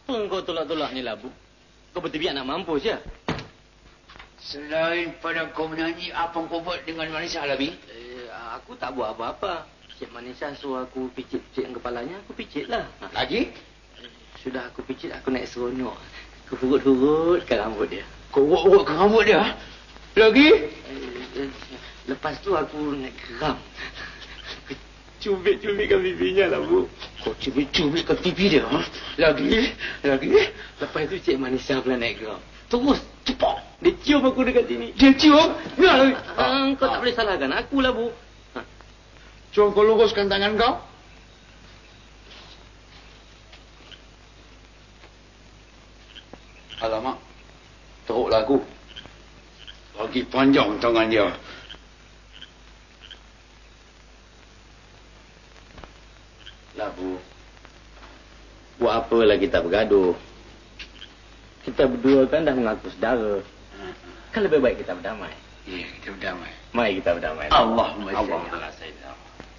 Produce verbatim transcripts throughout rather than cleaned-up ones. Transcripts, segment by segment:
Apa kau tolak-tolak ni, Labu? Kau betul-betul anak mampus, ya? Selain pada kau menyanyi, apa kau buat dengan Manisa, Labi? Eh, aku tak buat apa-apa. Cik Manisa suruh aku picit-picit kepalanya, aku picit lah. Lagi? Sudah aku picit, aku naik seronok. Aku hurut-hurut ke rambut dia. Kau urut-urut ke rambut dia? Lagi? Eh, eh, lepas tu aku naik geram. Cubit-cubitkan pipinya, Labu. Kau cubit-cubitkan pipi dia? Ha? Lagi? Lagi? Lepas tu Cik Manisa pula naik geram. Terus, cepat. Dia cium aku dekat sini. Dia cium? Ya, Labi. Ah, kau tak boleh salahkan aku, Labu. Ha. Cuba kau luruskan tangan kau. Alamak. Teruklah aku. Lagi panjang tangan dia. Labu. Buat apalah kita bergaduh. Kita berdua kan dah mengaku saudara. Kan lebih baik kita berdamai. Ya, kita berdamai. Mari kita berdamai. Allahumma Allahumma sayyidina.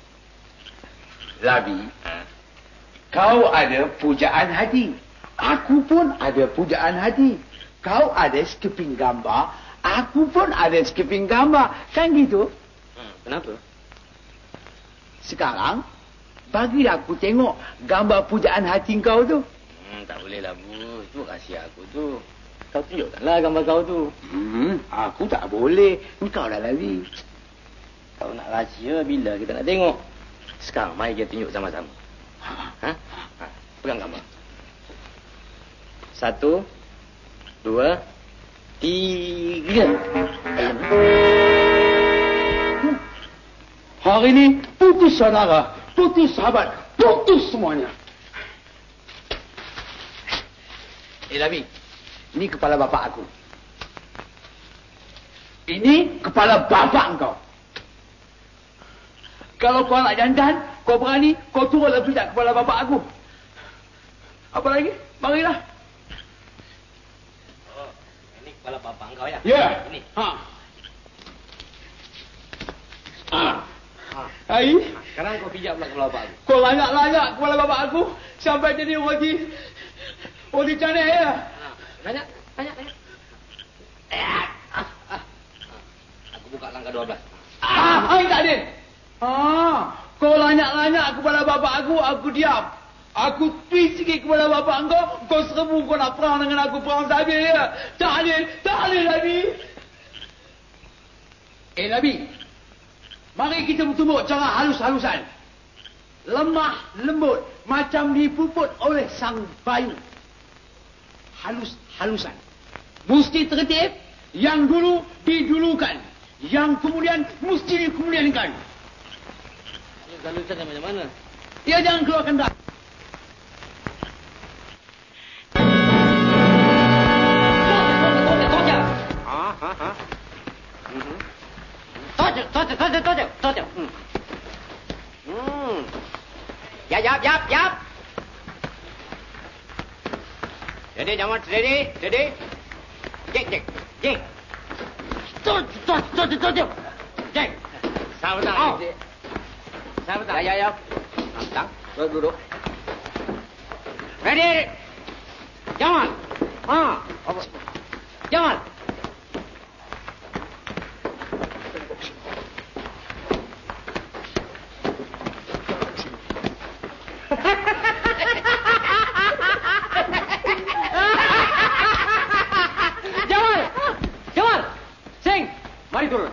Labi, ha? kau ada pujaan hati. Aku pun ada pujaan hati. Kau ada skipping gambar. Aku pun ada skipping gambar. Kan gitu? Hmm, kenapa? Sekarang, bagilah aku tengok gambar pujaan hati kau tu. Hmm, tak boleh, Labu. Itu rahsia aku tu. Kau tunjukkanlah gambar kau tu. Hmm, aku tak boleh. Engkau dah lari. Kau nak rahsia bila kita nak tengok? Sekarang, mari kita tunjuk sama-sama. Ha? Ha? Pegang gambar. Satu, dua, tiga. Hari ini putus saudara, putus sahabat, putus semuanya. Eh, Labi, ini kepala bapak aku. Ini kepala bapak engkau. Kalau kau nak jantan, kau berani, kau turunlah pijak kepala bapak aku. Apa lagi? Marilah. Oh, ini kepala bapak engkau ya? Ya. Ini. Ha. Ha. Ha. Hai. Sekarang kau pijak pula kepala bapak aku. Kau layak-layak kepala bapak aku sampai jadi roti roti canai ya. Ha. Banyak, banyak, banyak. Aku buka langkah dua belas. Ah, hai tak adil. Ah, kau lanyak-lanyak kepada bapak aku, aku diam. Aku twist sikit kepada bapak engkau, kau serbu kau nak perang dengan aku, perang sahaja ya. Tak adil, tak adil Nabi. Eh Nabi, mari kita bertumbuk cara halus-halusan. Lemah, lembut, macam dipuput oleh sang bayu. Halus-halusan. Mesti tertib, yang dulu didulukan. Yang kemudian mesti dikemudiankan. Halusan macam mana? Dia jangan keluarkan dah. Ha, ha, ha. Mhm. Tojo, tojo, tojo, tojo, tojo. Hmm. Hmm. Yap, yap, yap, yap. Jadi, jangan steady, steady. Jek, jek, jek. Tojo, tojo, tojo, tojo. Jek. Sabar, Oh. sabar. Ya, ya, ya. Tang, duduk, duduk. Ready. Jangan. Ha. Apa? Jangan. Jamal! Jamal! Sing! Mari turun.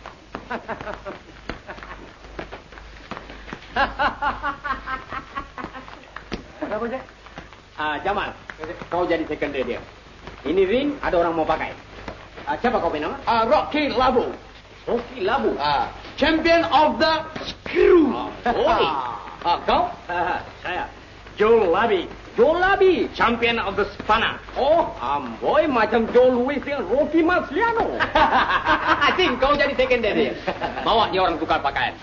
Apa je? Ah, Jamal, kau jadi secondary dia. Ini ring ada orang mau pakai. Ah, siapa kau punya nama? Ah, Rocky Labu. Rocky Labu. Ah, champion of the screw. Oi. Ah, kau? Saya. Joe Labi. Joe Labi, champion of the Spana. Oh, amboy macam Joe Louis dengan Rocky Marciano. Asing kau jadi secondary. Bawa dia orang tukar pakaian.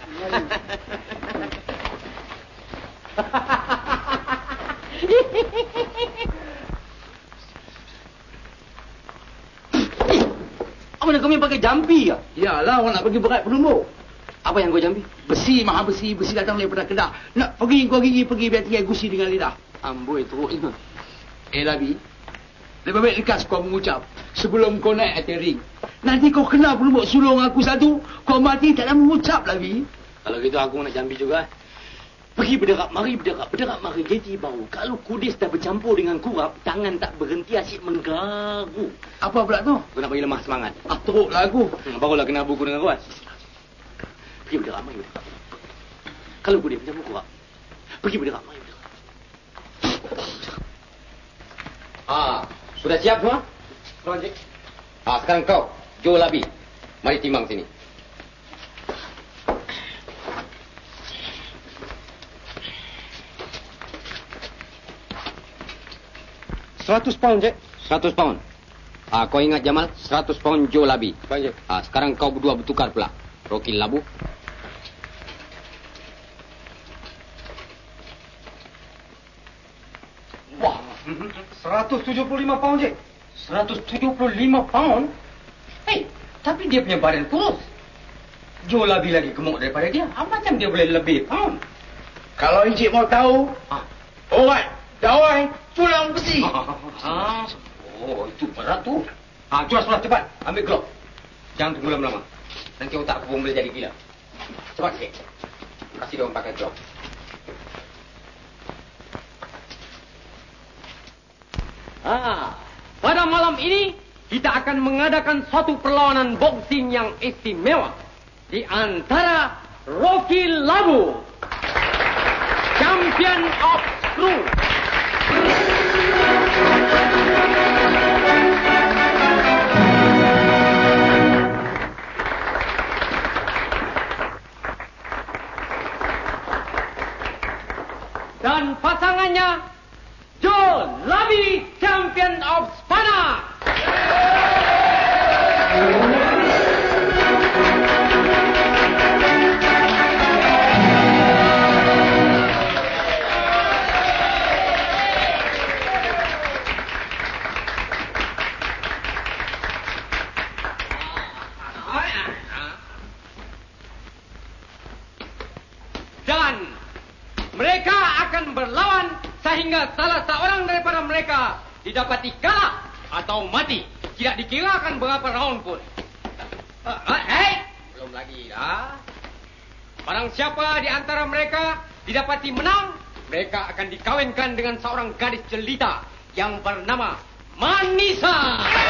Apa nak kau pakai jampi ya? Yalah, orang nak pergi berat penumbuk. Apa yang kau jampi? Besi, maha besi, besi datang daripada Kedah. Nak pergi, kau gigi pergi biar tinggal gusi dengan lidah. Amboi teruk ini. Eh, Labi. Lebih baik lekas kau mengucap sebelum kau naik atas ring. Nanti kau kena pelubuk sulung aku satu, kau mati tak nak mengucap, Labi. Kalau gitu aku nak jambi juga. Pergi berderak, mari berderak, berderak, mari jadi bau. Kalau kudis dah bercampur dengan kurap, tangan tak berhenti asyik menggagu. Apa pula tu? Aku nak bagi lemah semangat. Ah, teruklah aku. Hmm, barulah kena buku dengan kuat. Pergi berderak, mari berderak. Kalau kudis bercampur kurap, pergi berderak, mari berderak. Ah, sudah siap semua? Tuan Cik. Ah, sekarang kau, Joe Labi. Mari timbang sini. Seratus pound, Cik. Seratus pound. Ah, kau ingat Jamal? Seratus pound Joe Labi. Baik, Cik. Ah, sekarang kau berdua bertukar pula. Rocky Labu. Wah, seratus tujuh puluh lima pound, Cik. seratus tujuh puluh lima pound? Hei, tapi dia punya badan kurus. Joe Labi lagi gemuk daripada dia. Ah, macam dia boleh lebih pound? Kalau Encik mau tahu, Ah. alright, dawai, pulang besi. Ah, oh, itu berat tu. Ah, curas curas cepat. Ambil glove. Jangan tunggu lama-lama. Nanti otak aku pun boleh jadi gila. Cepat sikit. Kasih dia orang pakai glove. Ah, pada malam ini kita akan mengadakan suatu perlawanan boxing yang istimewa di antara Rocky Labu, Champion of Screw. Dan pasangannya Joe Labi, Champion of Spana. Dan mereka akan berlawan sehingga salah seorang daripada mereka didapati kalah atau mati. Tidak dikirakan berapa round pun. Uh, uh, hey, belum lagi dah. Barang siapa di antara mereka didapati menang, mereka akan dikawinkan dengan seorang gadis jelita yang bernama Manisa.